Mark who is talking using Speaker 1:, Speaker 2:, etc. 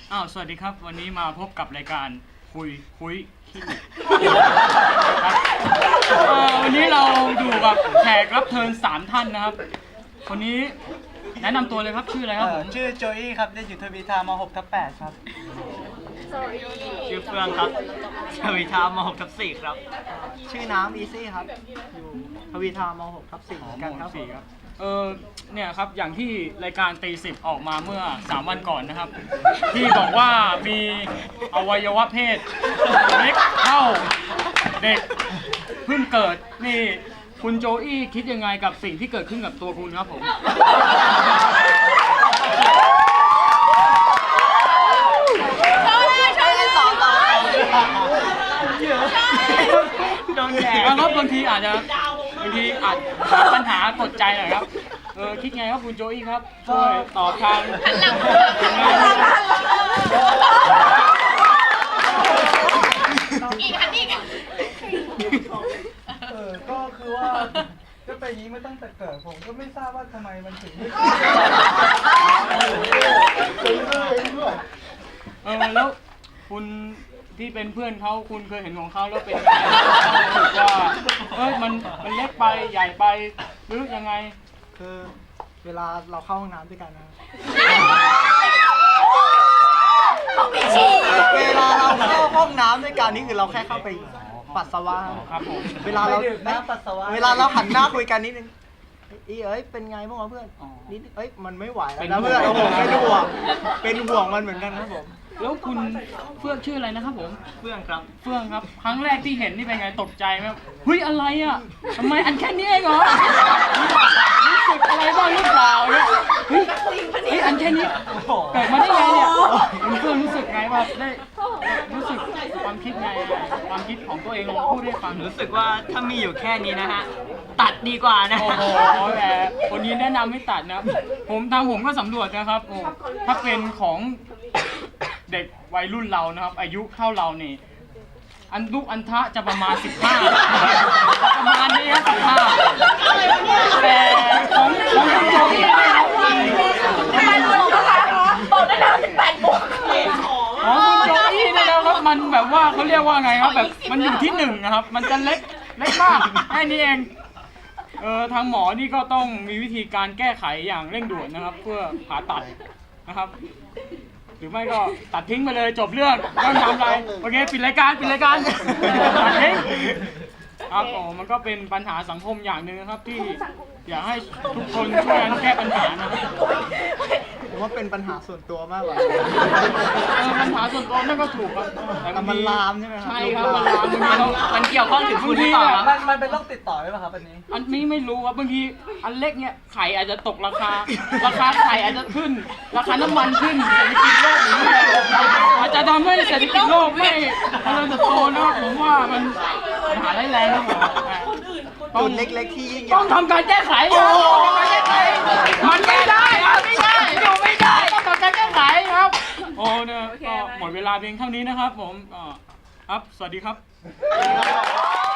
Speaker 1: สวัสดีครับวันนี้มาพบกับรายการคุยขี้วันนี้เราอยู่กับแขกรับเชิญ3ท่านนะครับคนนี้แนะนำตัวเลยครับชื่ออะไรครับผม
Speaker 2: ชื่อโจอี้ครับได้อยู่ทวีทาม6/8ครับ
Speaker 3: ชื่อเฟื่องครับทวีทาม6/4ครับ
Speaker 2: ชื่อน้ำอีซี่ครับอยู่ทวีทาม6/4เหมือนกันครับ
Speaker 1: เนี่ยครับอย่างที่รายการตีสิบออกมาเมื่อ3วันก่อนนะครับที่บอกว่ามีอวัยวะเพศเล็กเท่าเด็กเพิ่งเกิดนี่คุณโจอี้คิดยังไงกับสิ่งที่เกิดขึ้นกับตัวคุณครับผมโดนแดดครับบางทีอาจปัญหากดใจหน่อยครับคิดไงครับคุณโจอี้ครับช่วยตอบทาง
Speaker 4: อีก
Speaker 2: ก็คือว่าก็เป็นอย่างนี้มาตั้งแต่เกิดผมก็ไม่ทราบว่าทำไมมันถึงไม่
Speaker 1: แล้วคุณที่เป็นเพื่อนเขาคุณเคยเห็นของเขาแล้วเป็นยังไงรู้สึกว่ามันเล็กไปใหญ่ไปหรือยังไง
Speaker 2: คือเวลาเราเข้าห้องน้ำด้วยกันนะเวลาเราเข้าห้องน้ำด้วยกันนี่คือเราแค่เข้าไปปัสสาวะ
Speaker 1: ครับผม
Speaker 2: เวลาเราหันหน้าคุยกันนิดนึงเป็นไงบ้างวะเพื่อนนิดมันไม่ไหวแล้วนะเพื่อนเป็นห่วงมันเหมือนกันครับผม
Speaker 1: แล้วคุณเฟื่องชื่ออะไรนะครับผม
Speaker 3: เฟื่องครับ
Speaker 1: เฟื่องครับครั้งแรกที่เห็นนี่เป็นไงตกใจไหมเฮ้ยอะไรอ่ะทำไมอันแค่นี้เองเหรอรู้สึกอะไรบ้างหรือเปล่าเนี่ยเฮ้ยอันแค่นี้เกิดมาได้ไงเนี่ยคุณเฟื่องรู้สึกไงว่าได้รู้สึกความคิดไงความคิดของตัวเองพูดให้ฟัง
Speaker 3: รู้สึกว่าถ้ามีอยู่แค่นี้นะฮะตัดดีกว่านะ
Speaker 1: โอ้โหแต่คนนี้แนะนำให้ตัดนะผมก็สำรวจนะครับถ้าเป็นของเด็กวัยรุ่นเรานะครับอายุเท่าเรานี่อันทะจะประมาณ15ประมาณนี้ครับ15แต่ของคุณโจอี้นะครับ
Speaker 4: ทำไมรู้นะคะบอกได้แล้ว18 บวก
Speaker 1: ของคุณโจอี้นี่นะครับมันแบบว่าเขาเรียกว่าไงครับแบบมันอยู่ที่1นะครับมันจะเล็กมากแค่นี้เองทางหมอนี่ก็ต้องมีวิธีการแก้ไขอย่างเร่งด่วนนะครับเพื่อผ่าตัดนะครับหรือไม่ก็ตัดทิ้งไปเลยจบเรื่องไม่ต้องทำอะไรโอเคปิดรายการตัดทิ้งครับมันก็เป็นปัญหาสังคมอย่างหนึ่งนะครับที่อยากให้ทุกคนช่วยกันแก้ปัญหานะครับ
Speaker 2: ผมว่าเป็นปัญหาส่วนตัวมากกว่า
Speaker 1: ปัญหาส่วนตัวนั่นก็ถูกครับ
Speaker 2: แต่มันลามใช่ไหมครับ
Speaker 1: ใช่ครับมันลาม
Speaker 3: มันเกี่ยวข้องถึงคุณหรือเปล่า
Speaker 2: มันเป็นโรคติดต่อไหมครับอัน
Speaker 1: นี้ไม่รู้ครับบางทีอันเล็กเนี่ยไข่อาจจะตกราคาไข่อาจจะขึ้นราคาน้ำมันขึ้นเศรษฐกิจโลกอย่างนี้อาจจะทำให้เศรษฐกิจโลกไม่เจริญเติบโตนะครับผมว่ามันปัญหาร้ายแรงครับผม
Speaker 2: ต้นเล็กๆที่ยิ่งใหญ่
Speaker 1: ต้องทำการแก้ไขมันไม่ได้ครับอยู่ไม่ได้ต้องทำการแก้ไขครับเนี่ยก็หมดเวลาเพียงเท่านี้นะครับผมครับสวัสดีครับ